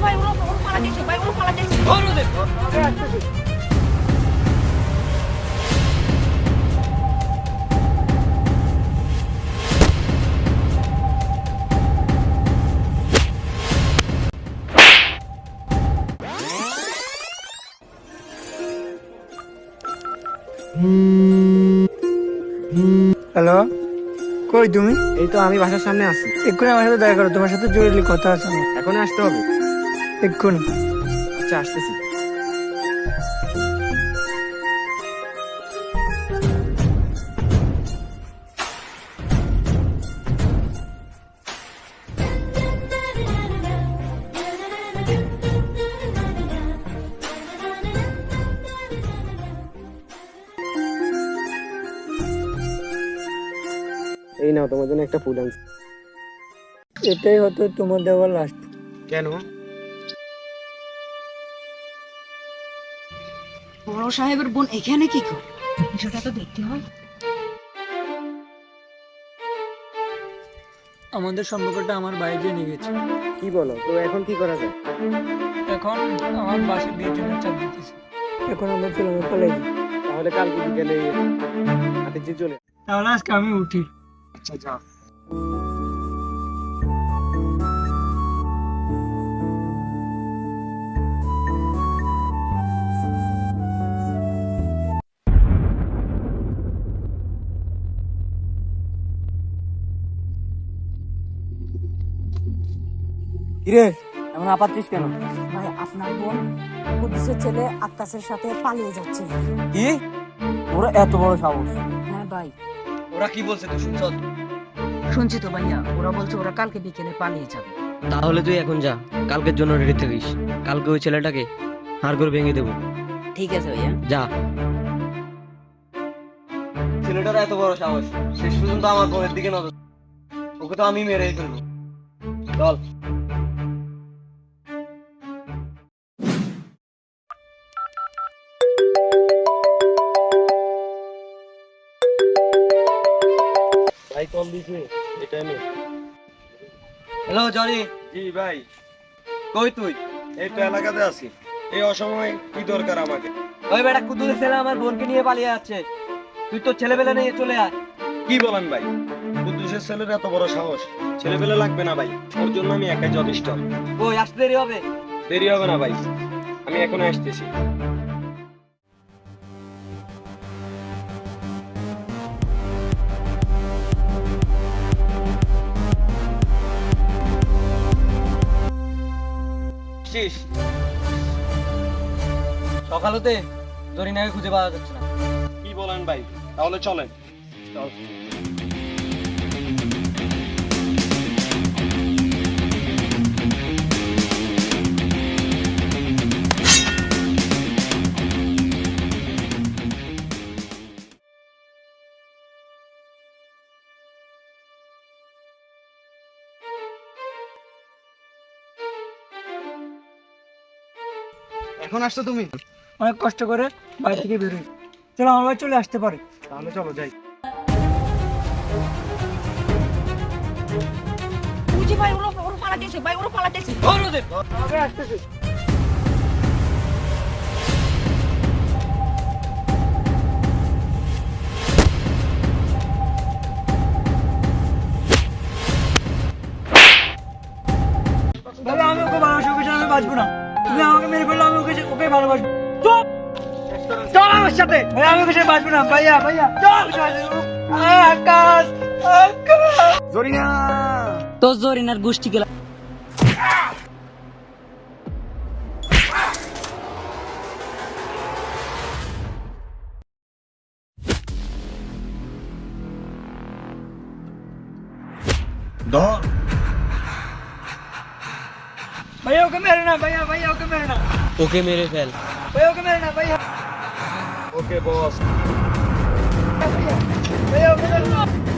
ভাই ওরা পালা দিয়েছে ভাই, ওরা পালা দিয়েছে। ধর ওদের। হ্যালো, কই তুমি? এই তো আমি বাসার সামনে আছি। এক্ষুনি আমার সাথে দেখা করো, তোমার সাথে জরুরি কথা আছে আমার। এখন আসতে হবে? এক্ষুনি। আচ্ছা, আসতেছি। এই নাও তোমার জন্য একটা ফুল আনছি। এটাই হতো তোমার দেওয়া লাস্ট। কেন? বড় সাহেবের বোন এখানে কি করে? বিষয়টা তো দেখতে হয়। আমাদের সম্পর্কটা আমার বাইরে নিয়ে গেছে। কি বলো? তো এখন কি করা যায়? এখন আমার বাসে বিয়ের জন্য চাপ দিতেছে। এখন আমরা চলে পালাই যাই। তাহলে কালকে বিকেলে হাতে যে চলে। তাহলে আজকে আমি উঠি। আচ্ছা, যাও। কিরে, এমন আপাততিস কেন? ভাই আপনার বোন কুদ্দুসের ছেলে আক্কাসের সাথে পালিয়ে যাচ্ছে। কি? ওরা এত বড় সাহস? হ্যাঁ ভাই, ওরা কি বলছে তুই শুনছ? শুনছি তো ভাইয়া, ওরা বলছে ওরা কালকে বিকেলে পালিয়ে যাবে। তাহলে তুই এখন যা, কালকের জন্য রেডি থাকিস। কালকে ওই ছেলেটাকে হাড় করে ভেঙে দেবো। ঠিক আছে ভাইয়া। যা। ছেলেটার এত বড় সাহস, শেষ পর্যন্ত আমার বোনের দিকে নজর। ওকে তো আমি মেরেই ফেলবো। চল। ভাই কল দিছে এই টাইমে। Hello Johnny. জি ভাই। কই তুই? এই তো এলাকাতে আছি। এই অসময়ে কি দরকার আমাকে? ওই বেটা কুদ্দুসের ছেলে আমার বোনকে নিয়ে পালিয়ে যাচ্ছে। তুই তো ছেলেবেলা নিয়ে চলে আয়। কি বলেন ভাই? কুদ্দুসের ছেলের এত বড় সাহস? ছেলেপেলে লাগবে না ভাই, ওর জন্য আমি একাই যথেষ্ট। ওই আসতে দেরি হবে। দেরি হবে না ভাই, আমি এখন আসতেছি। শেষ। সকাল হতে জরিনাকে খুঁজে পাওয়া যাচ্ছে না। কি বলেন ভাই? তাহলে চলেন। চল। এখন আসছো তুমি? অনেক কষ্ট করে বাড়ি থেকে বেরোই। চলো আমার বাড়ি চলে আসতে পারে। তাহলে চলো যাই। বুঝি ভাই ওরা পালা দিয়েছে ভাই, ওরা পালা দিয়েছে। ধর ওদের। আগে আসতেছে। ভাই আমি ওকে ভালোবাসি, ওকে ছাড়া আমি বাঁচবো না। তুমি আমাকে মেরে ফেললে আমি ওকে ভালোবাসবো। চল চল আমার সাথে। ভাই আমি ওকে সাথে বাঁচবো না। ভাইয়া ভাইয়া চল। আকাশ আকাশ। জরিনা। তো জরিনার গোষ্ঠী গেল। ধর। ভাইয়া ওকে মেরে না। ভাইয়া ভাইয়া ওকে মেরে না। ওকে মেরে ফেল। ভাইয়া ওকে মেরে না। ভাইয়া ওকে বস। ভাইয়া ওকে মেরে না।